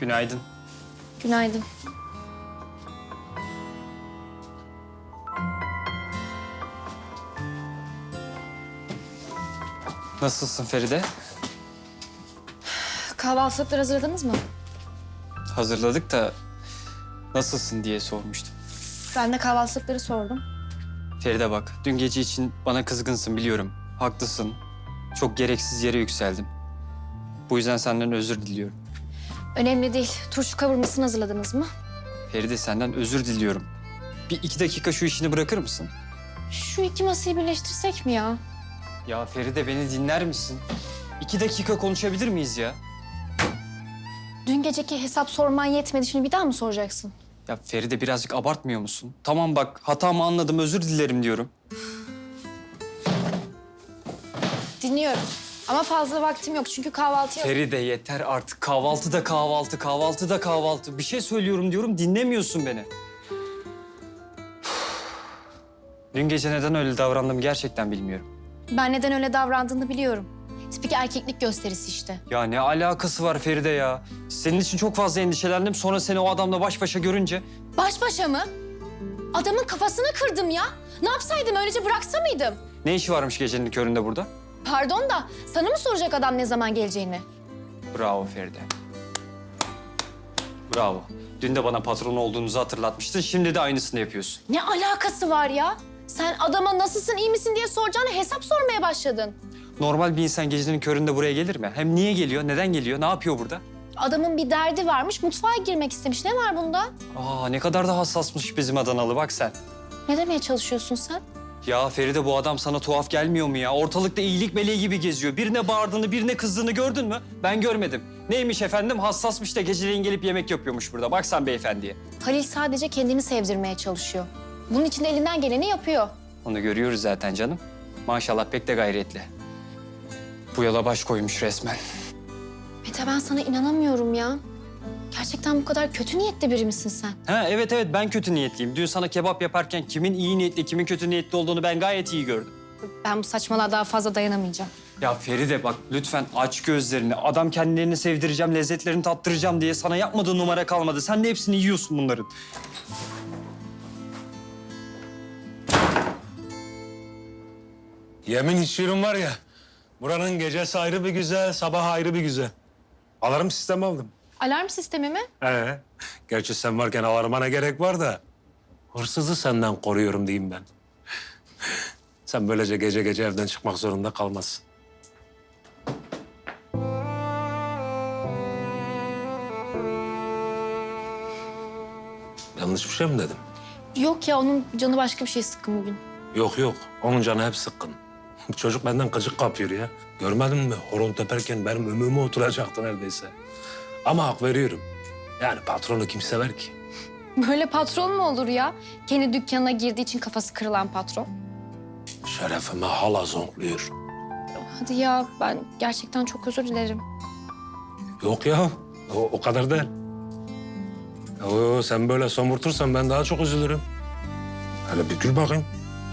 Günaydın. Günaydın. Nasılsın Feride? Kahvaltılıkları hazırladınız mı? Hazırladık da nasılsın diye sormuştum. Ben de kahvaltılıkları sordum. Feride bak, dün gece için bana kızgınsın biliyorum. Haklısın. Çok gereksiz yere yükseldim. Bu yüzden senden özür diliyorum. Önemli değil. Turşu kavurmasını hazırladınız mı? Feride senden özür diliyorum. Bir 2 dakika şu işini bırakır mısın? Şu iki masayı birleştirsek mi ya? Ya Feride beni dinler misin? 2 dakika konuşabilir miyiz ya? Dün geceki hesap sorman yetmedi. Şimdi bir daha mı soracaksın? Ya Feride birazcık abartmıyor musun? Tamam bak hatamı anladım özür dilerim diyorum. Dinliyorum. Ama fazla vaktim yok çünkü kahvaltıya... Feride yeter artık. Kahvaltı da kahvaltı, kahvaltı da kahvaltı. Bir şey söylüyorum diyorum, dinlemiyorsun beni. Dün gece neden öyle davrandım gerçekten bilmiyorum. Ben neden öyle davrandığını biliyorum. Tipik erkeklik gösterisi işte. Ya ne alakası var Feride ya? Senin için çok fazla endişelendim. Sonra seni o adamla baş başa görünce... Baş başa mı? Adamın kafasını kırdım ya. Ne yapsaydım? Öylece bıraksa mıydım? Ne işi varmış gecenin köründe burada? Pardon da sana mı soracak adam ne zaman geleceğini? Bravo Feride. Bravo. Dün de bana patron olduğunuzu hatırlatmıştın. Şimdi de aynısını yapıyorsun. Ne alakası var ya? Sen adama nasılsın, iyi misin diye soracağına hesap sormaya başladın. Normal bir insan gecenin köründe buraya gelir mi? Hem niye geliyor, neden geliyor, ne yapıyor burada? Adamın bir derdi varmış, mutfağa girmek istemiş. Ne var bunda? Aa ne kadar da hassasmış bizim Adanalı bak sen. Ne demeye çalışıyorsun sen? Ya Feride bu adam sana tuhaf gelmiyor mu ya? Ortalıkta iyilik meleği gibi geziyor. Birine bağırdığını, birine kızdığını gördün mü? Ben görmedim. Neymiş efendim? Hassasmış da geceleyin gelip yemek yapıyormuş burada. Bak sen beyefendiye. Halil sadece kendini sevdirmeye çalışıyor. Bunun için de elinden geleni yapıyor. Onu görüyoruz zaten canım. Maşallah pek de gayretli. Bu yola baş koymuş resmen. Mete ben sana inanamıyorum ya. Gerçekten bu kadar kötü niyetli biri misin sen? Ha evet ben kötü niyetliyim. Dün sana kebap yaparken kimin iyi niyetli, kimin kötü niyetli olduğunu ben gayet iyi gördüm. Ben bu saçmalığa daha fazla dayanamayacağım. Ya Feride bak lütfen aç gözlerini. Adam kendilerini sevdireceğim, lezzetlerini tattıracağım diye sana yapmadığı numara kalmadı. Sen de hepsini yiyorsun bunların. Yemin içiyorum var ya, buranın gecesi ayrı bir güzel, sabah ayrı bir güzel. Alarm sistemi aldım. Alarm sistemi mi? Gerçi sen varken alarma ne gerek var da... ...hırsızı senden koruyorum diyeyim ben. Sen böylece gece gece evden çıkmak zorunda kalmazsın. Yanlış bir şey mi dedim? Yok ya onun canı başka bir şey sıkkın bugün. Yok, onun canı hep sıkkın. Çocuk benden gıcık kapıyor ya. Görmedin mi? Horon teperken benim ömrüme oturacaktı neredeyse. Ama hak veriyorum. Yani patronu kim sever ki? Böyle patron mu olur ya? Kendi dükkanına girdiği için kafası kırılan patron. Şerefime hala zonkluyor. Hadi ya ben gerçekten çok özür dilerim. Yok ya, o kadar değil. Sen böyle somurtursan ben daha çok üzülürüm. Hele bir gül bakayım.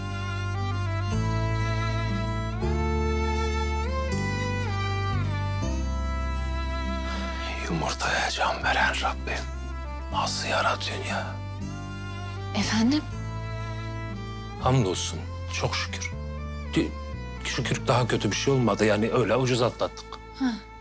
Yumurtaya can veren Rabbim. Nasıl yaratıyorsun ya? Efendim? Hamdolsun, çok şükür. Şükür daha kötü bir şey olmadı yani öyle ucuz atlattık. Ha.